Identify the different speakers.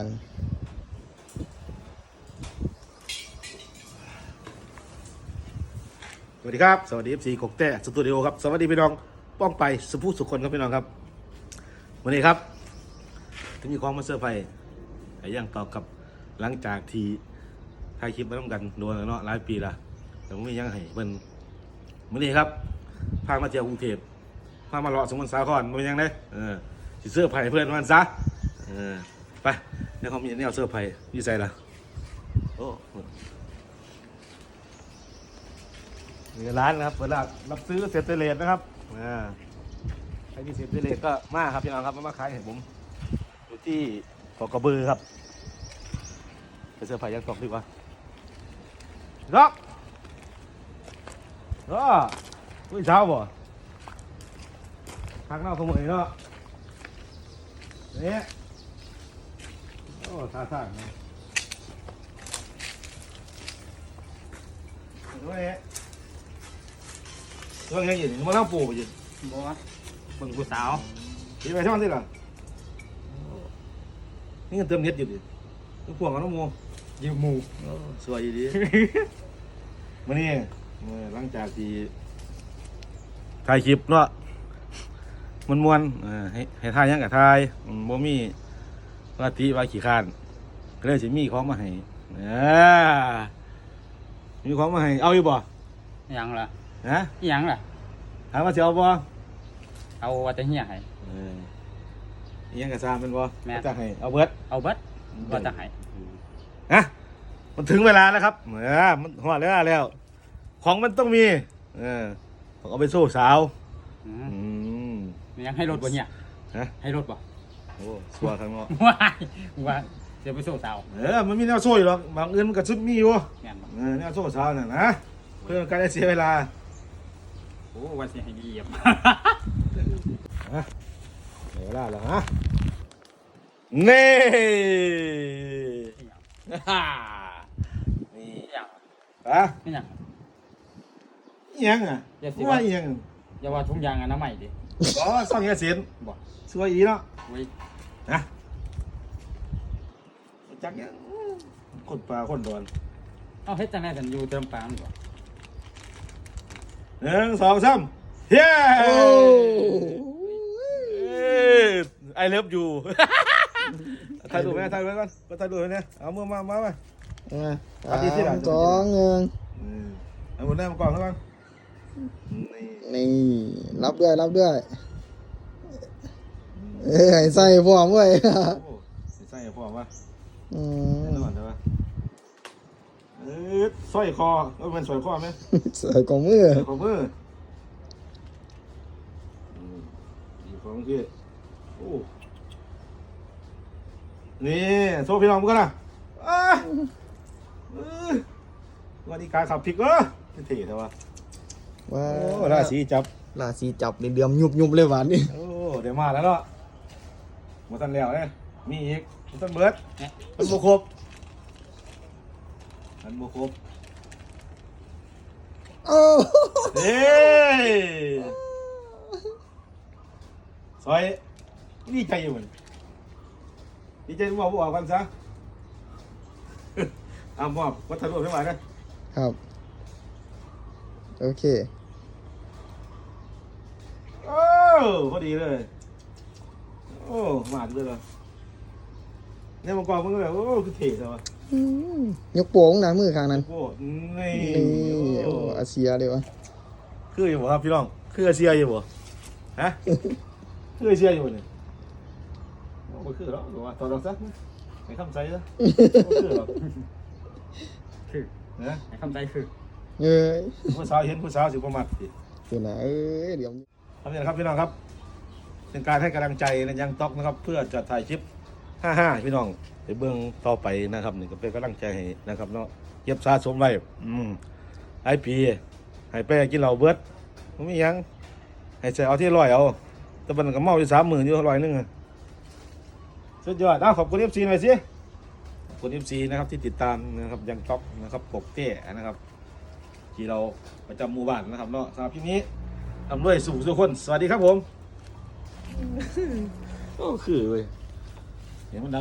Speaker 1: สวัสดีครับสวัสดี FC กกแต้สตูดิโอครับสวัสดีพี่น้องป้องไปสุภูสุขคนครับพี่น้องครับวันนี้ครับที่มีของมาเซอร์ไพรส์ไอ้ย่างตอบกับหลังจากที่ถ่ายคลิปมาต้องกันโดนเนาะหลายปีละแต่ผมมียังให้เป็นวันนี้ครับพามาเที่ยวกรุงเทพพามาเลาะสมุทรสาครมันยังไงสิเซอร์ไพรส์เพื่อนมันซะไปในความมีแนวเซอร์ไพรส์ยี่ใจละโอ้มีร้านนะครับเวลารับซื้อเศษเลสนะครับใครมีเศษเลสก็มาครับพี่น้องครับมาขายให้ผมอยู่ที่เกาะกระบือครับไปเสื้อผ้ายังตกดีกว่าล็อกอุ้ยเช้าบ่พักนอกขโมยเนาะนี่โอ้ท่าทางนะดูนี่ตัวยังอยู่มันต้องปูไปอยู่บ่เบิ่งผู้สาวดีไปช่องที่หรอนี่เงินเติมเน็ตอยู่ดิต้องพ่วงกันน้องโมยืมหมูสวยดีมานี่หลังจากที่ถ่ายคลิปเนาะมวนให้ถ่ายยังกับถ่ายบ่มีว่าติว่าขี้ข้านก็เลยสิมีของมาให้มีของมาให้เอาอยู่บ่
Speaker 2: ยังล่ะ
Speaker 1: ฮะ
Speaker 2: ยังล่ะ
Speaker 1: ถามว่าจะเอาบ่
Speaker 2: เอาว่าจะเหี้ยให้
Speaker 1: ยังกระซามเป็นบ่จะให้เอาเบิด
Speaker 2: ว่าจะให้
Speaker 1: นะมันถึงเวลาแล้วครับมันหอดแล้วของมันต้องมีเอาไปสู้สาว
Speaker 2: ยังให้รถบ่เนี่ย
Speaker 1: ฮะ
Speaker 2: ให้รถบ่
Speaker 1: โอ้สัวข้างนอก
Speaker 2: ว่าจะไปสู้สาว
Speaker 1: มันมีแนวโซ่อยู่หรอกบางอื่นมันก็ชุดมีอยู่แนวโซ่สาวน่ะนะเพื่อการได้เสียเวลา
Speaker 2: โอ้วันเสียให้เหยียบ
Speaker 1: เวลาแล้วฮะนี่
Speaker 2: นี่
Speaker 1: ยังอ่ะว่ายัง
Speaker 2: อย่าว่าทุ่งยางอันน้ำใหม่ดิ
Speaker 1: ก็ซ่องเงี้ยเสียน
Speaker 2: บ่
Speaker 1: สวยอีเนาะนะจักยังคนปลาคนโดน
Speaker 2: เอาเฮ็ดจังได๋กันอยู่เติมปลาบ่
Speaker 1: 1 2 3เฮ้ไอเลิฟยูถ่ายรูปไหมถ่ายไว้ก่อนก็ถ่ายรูปไว้เนี่ยเอามือมา3 2 1เอาหมดแน่มาก่อนครับ
Speaker 3: นี่รับด้วยใส่พร้อมเว้ย
Speaker 1: ใส่พร้อมวะแน่นอนใช่ปะสร้อยคอเป็นสร้อยคอไหม
Speaker 3: สร้อยข้อมือ
Speaker 1: อีกของที่โอ้นี่โซ่พี่น้องมึงกันนะวันนี้การขับพลิกเท่ๆแต่ว่าราศีจับ
Speaker 3: เดือมยุบเลยหวานนี่
Speaker 1: โอ้เดี๋ยวมาแล้วเนาะมาตันแล้วเนี่ยมีอีกมาตันเบิร์ดมันโบครบ
Speaker 3: โอ้
Speaker 1: เฮ้ยซอยดีใจอยู่มันดีใจบอกกันซะมอบวัฒนธรรมให้มา
Speaker 3: ครับโอเค
Speaker 1: โอ้พอดีเลยโอ้มาด้วยเหรอเนี่ยมังกรมันก็แบบโอ้คือเท่ใช่ไหม
Speaker 3: ยกโป่งนะมือข้างนั้น
Speaker 1: โอ้นี่
Speaker 3: โอ้อาเซียเลยวะ
Speaker 1: คืออยู่บ่ครับพี่น้องคืออาเซียอยู่บ่ฮะคืออาเซียอยู่เนี่ยโอ้คือหรอหรือว่าตอนเราซักให้คำใจซะคือหรอ
Speaker 2: คือ
Speaker 1: นะ
Speaker 2: ให้คำใจคือ
Speaker 1: ผู้สาวเห็นผู้สาวสิประมาทสิ
Speaker 3: คือนะเดี๋ยว
Speaker 1: ทำอย่างครับพี่น้องครับเป็นการให้กำลังใจในยังต๊อกนะครับเพื่อจะถ่ายคลิป55พี่น้องไปเบื้องต่อไปนะครับนี่ก็เป็นกำลังใจให้นะครับเนาะเก็บสะสมไว้ไอพีให้ไปกินเหล้าเบิดมันไม่ยังให้ใส่เอาที่100เอาแต่มันก็เมาอยู่30,000อยู่100นึงสุดยอดขอบคุณ FC หน่อยสิขอบคุณ FC นะครับที่ติดตามนะครับยังต๊อกนะครับปกเต้นะครับที่เราประจำหมู่บ้านนะครับเนาะสำหรับที่นี้ทำด้วยสู่ทุกคนสวัสดีครับผมก็คือเว้ยเดี๋ยวมัน